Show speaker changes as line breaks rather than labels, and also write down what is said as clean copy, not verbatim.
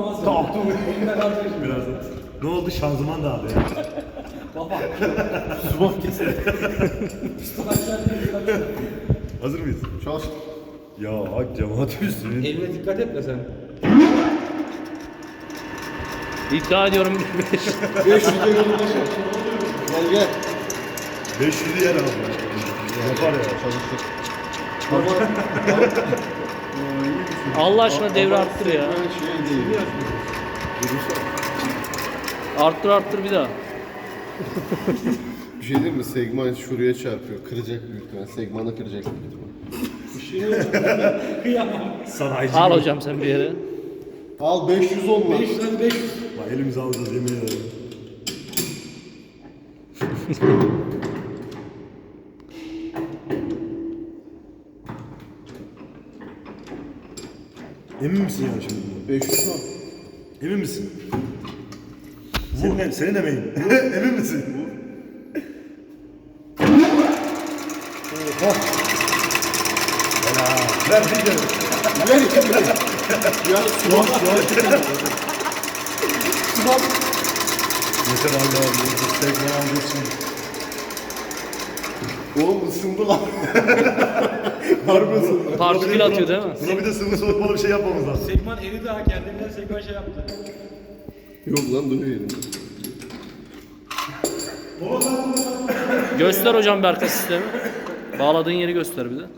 kalmaz.
Kalktı mı?
Elimde kalacak şimdi.
Birazdan. Ne oldu? Şanzıman da abi ya.
Baba.
Subak keser.
Aşağı değil.
Hazır mıyız?
Çalış.
Ya cemaat üstünün.
Eline dikkat et de sen.
İddia ediyorum
500'e yollaşır. Gel gel.
500'ü yer abi. Yapar ya.
Çalıştık.
Allah aşkına devre arttır ya.
Şey değil.
Arttır bir daha.
Bir şey değil mi? Segman şuraya çarpıyor. Kıracak büyük ihtimal. Segmanı kıracak büyük ihtimal.
Kıyamam.
Sanayici.
Al hocam sen bir yere.
Al 500 olma.
500 hadi 500.
Bak elimizi alacağız yemin ederim. Emin misin yani şimdi?
500 al.
Emin misin? Senin emeğin. Emin misin? Oha. Helal. Ver bir kere.
Ver iki lira. Ya sumak sumak. Sumak.
Yeter abi abi. Tekrar alacağız şimdi.
Oğlum ısındı lan. Harbi ısındı.
Partikül atıyor değil mi?
Buna bir de sıvı soğutmalı bir şey yapmamız lazım.
Segman eri daha kendinden Segman şey yaptı.
Yok lan duruyor elimde.
Göster hocam bir arka sistemi. Bağladığın yeri göster bir de.